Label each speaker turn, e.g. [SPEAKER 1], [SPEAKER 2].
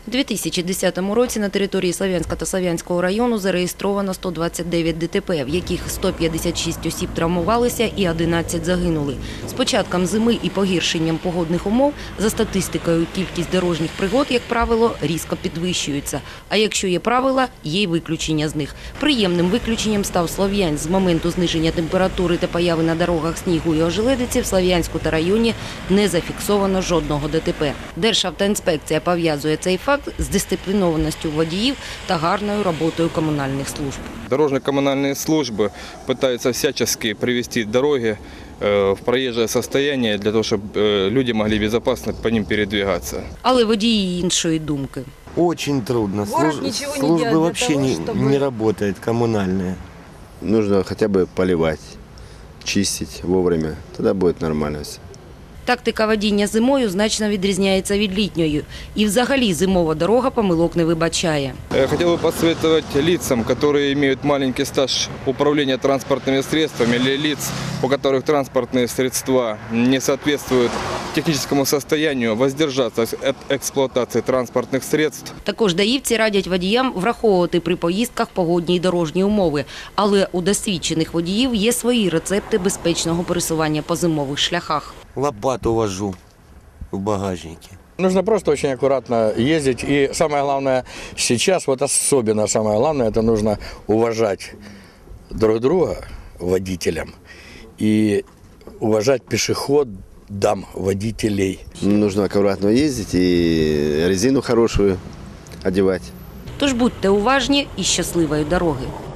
[SPEAKER 1] У 2010 році на території Слов'янська та Слов'янського району зареєстровано 129 ДТП, в яких 156 осіб травмувалися і 11 загинули. З початком зими і погіршенням погодних умов, за статистикою, кількість дорожніх пригод, як правило, різко підвищується. А якщо є правила, є й виключення з них. Приємним виключенням став Слов'янськ. З моменту зниження температури та появи на дорогах снігу і ожеледиці в Слов'янську та районі не зафіксовано жодного ДТП. Державтоінспекція пов'язує цей факт з дисциплінованістю водіїв та гарною роботою комунальних служб.
[SPEAKER 2] Дорожно-коммунальные службы пытаются всячески привести дороги в проезжее состояние для того, чтобы люди могли безопасно по ним передвигаться.
[SPEAKER 1] Але водії іншої думки.
[SPEAKER 3] Очень трудно. Службы вообще не работает, коммунальные.
[SPEAKER 4] Нужно хотя бы поливать, чистить вовремя, тогда будет нормально все.
[SPEAKER 1] Тактика водіння зимою значно відрізняється від літньої. І взагалі зимова дорога помилок не вибачає.
[SPEAKER 2] Я хотел бы посоветовать лицам, которые имеют маленький стаж управления транспортными средствами, или лиц, у которых транспортные средства не соответствуют техническому состоянию, воздержаться от эксплуатации транспортных средств.
[SPEAKER 1] Також даївці радять водіям враховувати при поїздках погодні й дорожні умови. Але у досвідчених водіїв є свої рецепти безпечного пересування по зимових шляхах.
[SPEAKER 3] Лопату вожу в багажнике.
[SPEAKER 5] Нужно просто очень аккуратно ездить. И самое главное сейчас, вот особенно самое главное, это нужно уважать друг друга, водителям, и уважать пешеходам, водителей.
[SPEAKER 4] Нужно аккуратно ездить и резину хорошую одевать.
[SPEAKER 1] Тож будьте уважні і щасливої дороги.